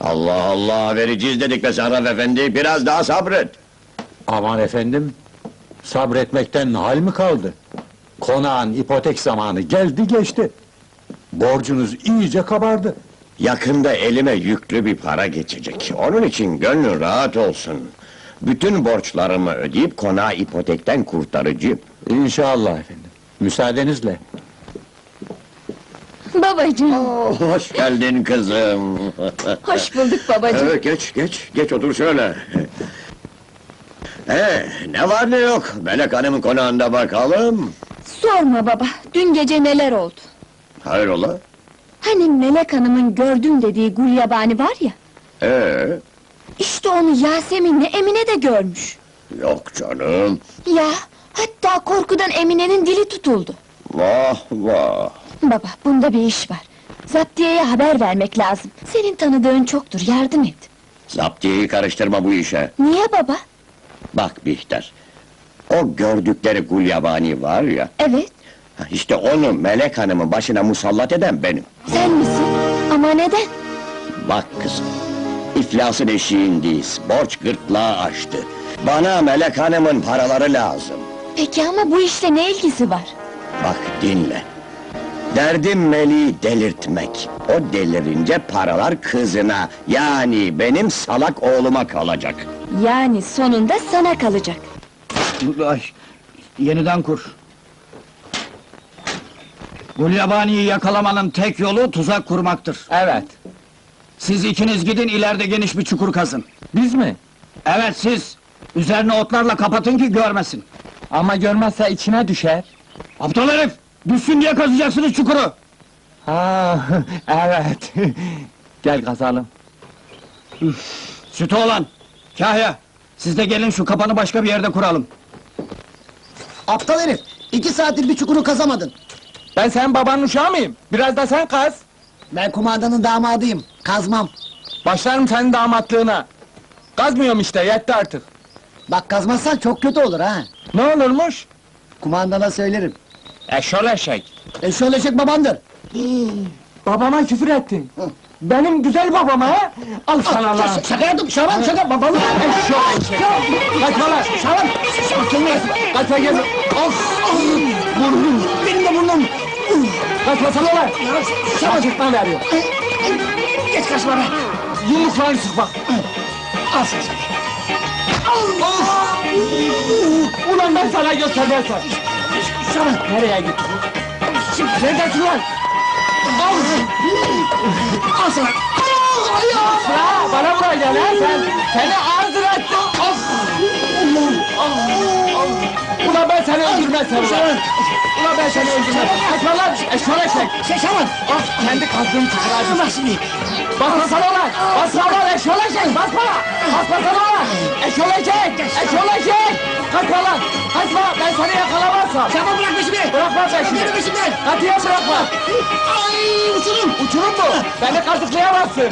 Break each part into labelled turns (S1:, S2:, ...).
S1: Allah Allah, vereceğiz dedik be Sarraf efendi, biraz daha sabret!
S2: Aman efendim, sabretmekten hal mi kaldı? Konağın ipotek zamanı geldi geçti. Borcunuz iyice kabardı.
S1: Yakında elime yüklü bir para geçecek, onun için gönlün rahat olsun. Bütün borçlarımı ödeyip konağı ipotekten kurtaracağım.
S2: İnşallah efendim, müsaadenizle.
S3: Babacığım,
S1: Hoş geldin kızım!
S3: hoş bulduk babacığım.
S1: Evet, geç otur şöyle! Ne var ne yok, Melek Hanım'ın konağında bakalım!
S3: Sorma baba, dün gece neler oldu?
S1: Hayrola?
S3: Hani Melek Hanım'ın gördüm dediği gulyabani var ya... İşte onu Yasemin'le Emine de görmüş.
S1: Yok canım!
S3: Ya, hatta korkudan Emine'nin dili tutuldu.
S1: Vah vah!
S3: Baba, bunda bir iş var. Zaptiye'ye haber vermek lazım. Senin tanıdığın çoktur, yardım et.
S1: Zaptiyeyi karıştırma bu işe!
S3: Niye baba?
S1: Bak Bihter, o gördükleri gulyabani var ya...
S3: Evet,
S1: İşte onu Melek Hanım'ın başına musallat eden benim.
S3: sen misin? Ama neden?
S1: Bak kızım, iflasın eşiğindeyiz, borç gırtlağı aştı. Bana Melek Hanım'ın paraları lazım.
S3: Peki ama bu işle ne ilgisi var?
S1: Bak dinle. Derdim Melih'i delirtmek. O delirince paralar kızına, yani benim salak oğluma kalacak.
S3: Yani sonunda sana kalacak.
S4: Ay, yeniden kur. Gulyabani'yi yakalamanın tek yolu tuzak kurmaktır.
S2: Evet,
S4: Siz ikiniz gidin, ileride geniş bir çukur kazın.
S2: biz mi?
S4: Evet siz! Üzerine otlarla kapatın ki görmesin.
S2: Ama görmezse içine düşer.
S4: Aptal herif! Düşsün diye kazacaksınız çukuru!
S2: Ha, evet. Gel kazalım.
S4: Sütü olan! Kahya! Siz de gelin şu kapanı başka bir yerde kuralım.
S5: Aptal herif! 2 saattir bir çukuru kazamadın!
S2: Ben senin babanın uşağı mıyım? Biraz da sen kaz.
S5: Ben kumandanın damadıyım, kazmam!
S2: Başlarım senin damatlığına. Kazmıyorum işte, yetti artık.
S5: Bak kazmazsan çok kötü olur ha!
S2: Ne olurmuş?
S5: Kumandana söylerim!
S2: Eşol eşek.
S5: Şöyle çek babandır!
S2: Babama küfür ettin. Benim güzel babama ha? Al sana lan.
S5: Şaka yaptım, Şaban şaka, babanı!
S2: Eşol eşek. Kaçma lan.
S5: Şaban!
S2: Kaçma gel. Of! Burnum.
S5: Benim de burnum!
S2: Kaçmasana lan.
S5: Şaban!
S2: Çıkma veriyor.
S5: Geç kaçma be!
S2: Yumruklarını sık bak.
S5: Al sen!
S2: Ulan ben sana göstermezsem.
S5: Şaban!
S2: Nereye gittin? Neredesin lan?
S5: Al sana!
S2: Ya bana vuracaksın ha sen! Seni ağzına ettim! Ulan ben seni öldürmezsem ulan! Ulan ben seni öldürmezsem! Kaçma lan! Eşol eşek!
S5: Şaban!
S2: Kendi kazdığım çukura
S5: Bak şimdi!
S2: Basmasana lan! Basma lan eşol eşek! Basma! Basmasana lan! Eşol eşek! Eşol eşek! Kaçma lan! Kaçma! Ben seni yakalamazsam!
S5: Şaban bırak peşimi!
S2: Bırakma peşimi!
S5: Benim peşimden!
S2: Katiyen bırakma!
S5: Ay uçurum!
S2: Uçurum mu? Beni kazıklayamazsın!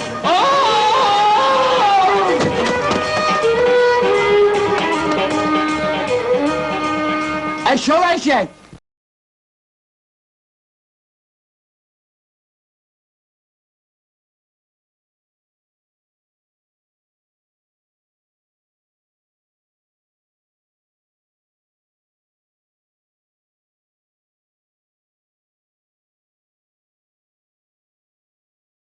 S2: Eşol eşek!